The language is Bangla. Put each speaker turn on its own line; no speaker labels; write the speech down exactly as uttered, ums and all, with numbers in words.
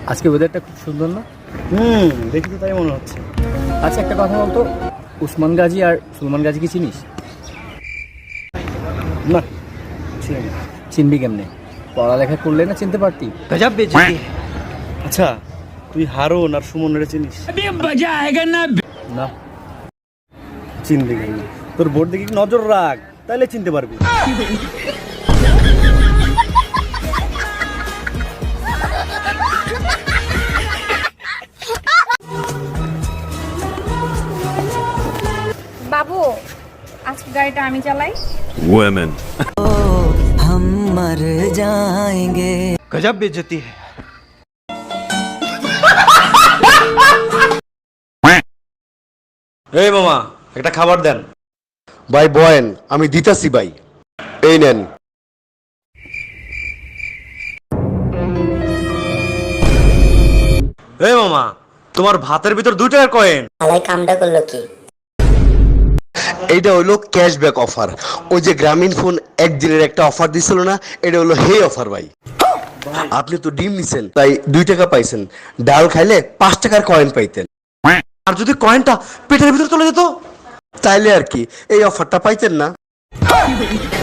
আজকে ওয়েদারটা খুব সুন্দর না?
হুম, দেখি তো তাই মনে হচ্ছে।
আচ্ছা একটা কথা বলতো, উসমান গাজী আর সুলমান গাজী কি চিনিস?
না, চিনি না।
চিনবি কেমনে? পড়ালেখা করলে না চিনতে পারতি।
गजब बेइज्जती है।
আচ্ছা, তুই হারুন আর সুমনের চিনিস?
না।
চিনবি কেন? তোর বোর্ড দিকে নজর রাখ, তাহলে চিনতে পারবি।
বাবু, আজকে গাড়িটা আমি চালাই।
Women.
हम मर जाएंगे। गजब बेइज्जती है।
এই মামা, একটা খাবার দেন।
ভাই বয়েন, আমি দিতাছি ভাই, এই নেন।
এই মামা, তোমার ভাতের ভিতর দুই টাকার কয়েন।
আলাই কামটা করলো কি?
এইটা হইলো ক্যাশব্যাক অফার। ওই যে গ্রামীণ ফোন একদিনের একটা অফার দিছিল না, এটা হলো হে অফার ভাই। আপনি তো ডিম নিছেন তাই দুই টাকা পাইছেন, ডাল খাইলে পাঁচ টাকার কয়েন পাইতেন।
আর যদি কয়েনটা পেটের ভিতর চলে যেত?
তাইলে আর কি এই অফারটা পাইতেন না।